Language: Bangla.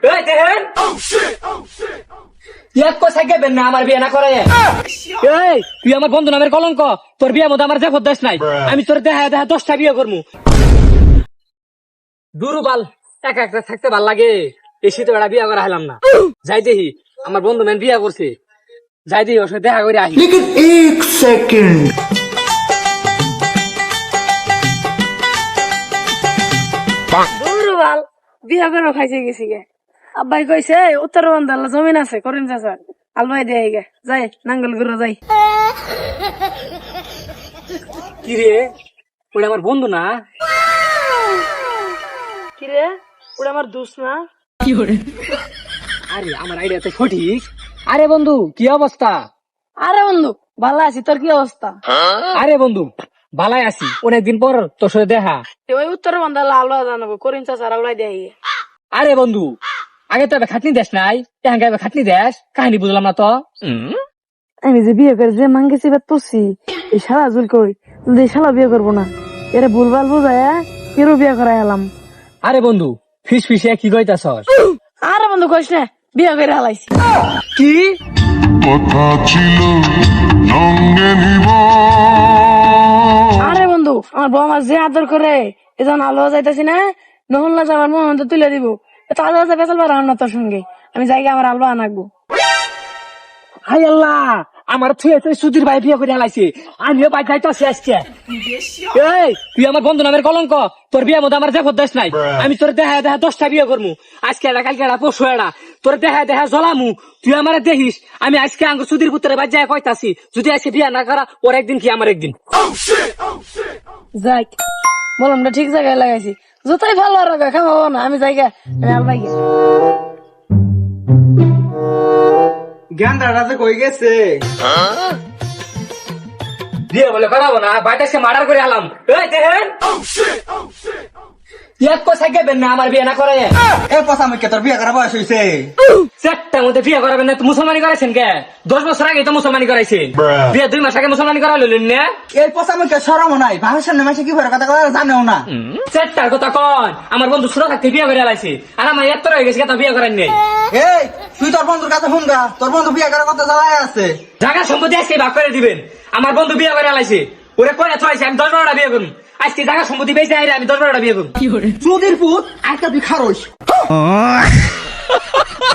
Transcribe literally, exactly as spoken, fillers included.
এই দেখেন এক কথা কেবেন না আমার বিয়ে না করে। এই তুই আমার বন্ধু নামের কলঙ্ক, তোর বিয়ের মধ্যে আমার দেখো দেশ নাই। আমি তোর দেখা দেখা দশটা বিয়ে করবো। দুরুবাল একা একটা থাকতে ভাল লাগে, এই শীতে বেড়া বিয়ে করা হলাম না। যাই দেখি আমার বন্ধু মেন বিয়ে করছে, যাই দেখি ওর সাথে দেখা করে আসি। एक सेकंड দুরুবাল বিয়া করে খাইছে গেছি গে। আব্বাই কইছে উত্তর বন্ধালা জমিন আছে করিম চাচা আলবাই দিয়ে গে যাই নাঙ্গল গুলো যাই। কি রে ওটা আমার বন্ধু না? কিরে ওটা আমার দুস না? আরে আমার আইডিয়া তো সঠিক। আরে বন্ধু কি অবস্থা? আরে বন্ধু ভালো আছি, তোর কি অবস্থা? আরে বন্ধু ভালাই আছি, অনেকদিন পর তোর সাথে দেখা। ওই উত্তর বন্ধালা আলবা জানাবো করিম চাচা আলবাই দিয়ে। আরে বন্ধু আগে তো এবার খাটনি দেশ নাই, এখন এবার খাটনি দেশ, কাহিনী বুঝলাম না তো। আমি যে বিয়ে করে যে মাঙ্গেছি বা তুসি এই শালা জুল কই এই শালা বিয়ে করবো না, এরা ভুলভাল বুঝায় কেউ বিয়ে করাই এলাম। আরে বন্ধু ফিস ফিসে কি কইতাছ? আরে বন্ধু কইস না বিয়ে করে হালাইছি। কি কথা ছিল সঙ্গে নিব। আরে বন্ধু আমার বউ আমার যে আদর করে এজন আলো যাইতেছি না নহল না যাবার মন তো তুলে দিব তো আলো যা বেসাল বার না তোর সঙ্গে আমি জায়গা আমার আলো আনাকবো। হাই আল্লাহ আমার থুয়ে তুই সুধীর ভাই বিয়ে করে হালাইছে, আমিও বাই যাইতাছি আজকে। এই তুই আমার বন্ধু নামের কলঙ্ক, তোর বিয়ের মধ্যে আমার দেখো দেশ নাই। আমি তোর দেখা দেখা দশটা বিয়ে করবো, আজকে এটা কালকে এটা পরশু এটা তোর দেখা দেখা জ্বলামু। তুই আমার দেখিস আমি আজকে আঙ্গুর সুধীর পুত্রের বাদ যায় কইতাছি, যদি আজকে বিয়ে না করা ওর একদিন কি আমার একদিন। যাই বললাম না ঠিক জায়গায় লাগাইছি, যতই ভালো আর খাওয়াবো না আমি জায়গা আমি আলবাই গে। জ্ঞান দাদা কই গেছে? বিয়ে বলে করাবো না, বাইটা সে মার্ডার করে আলাম। এই দেখেন এক কথা কেবেন না আমার বিয়ে না করে। এ পচা মুখে তোর বিয়ে করা বয়স হইছে? চারটার মধ্যে বিয়ে করাবেন না? মুসলমানি করাইছেন কে? দশ বছর আগে তো মুসলমানি করাইছেন, বিয়ে দুই মাস আগে মুসলমানি করা লইলেন না? এই পচা মুখে সরম নাই, ভাবের সামনে মাসে কি ভরে কথা কথা জানেও না। চারটার কথা কন, আমার বন্ধু ছোট থাকতে বিয়ে করে আলাইছে, আর আমার এত হয়ে গেছে বিয়ে করেন নেই। এই তুই তোর বন্ধুর কাছে ফোন গা, তোর বন্ধু বিয়ে করার কথা জ্বালায় আছে। জায়গা সম্পত্তি আজকে ভাগ করে দিবেন। আমার বন্ধু বিয়ে করে আলাইছে, ওরে কয়ে থাইছে আমি দশ বারোটা বিয়ে করুন। আজকে জায়গা সম্পত্তি বেঁচে আইরে আমি দশ বারোটা বিয়ে করুন। চুদির পুত একটা তুই খারস।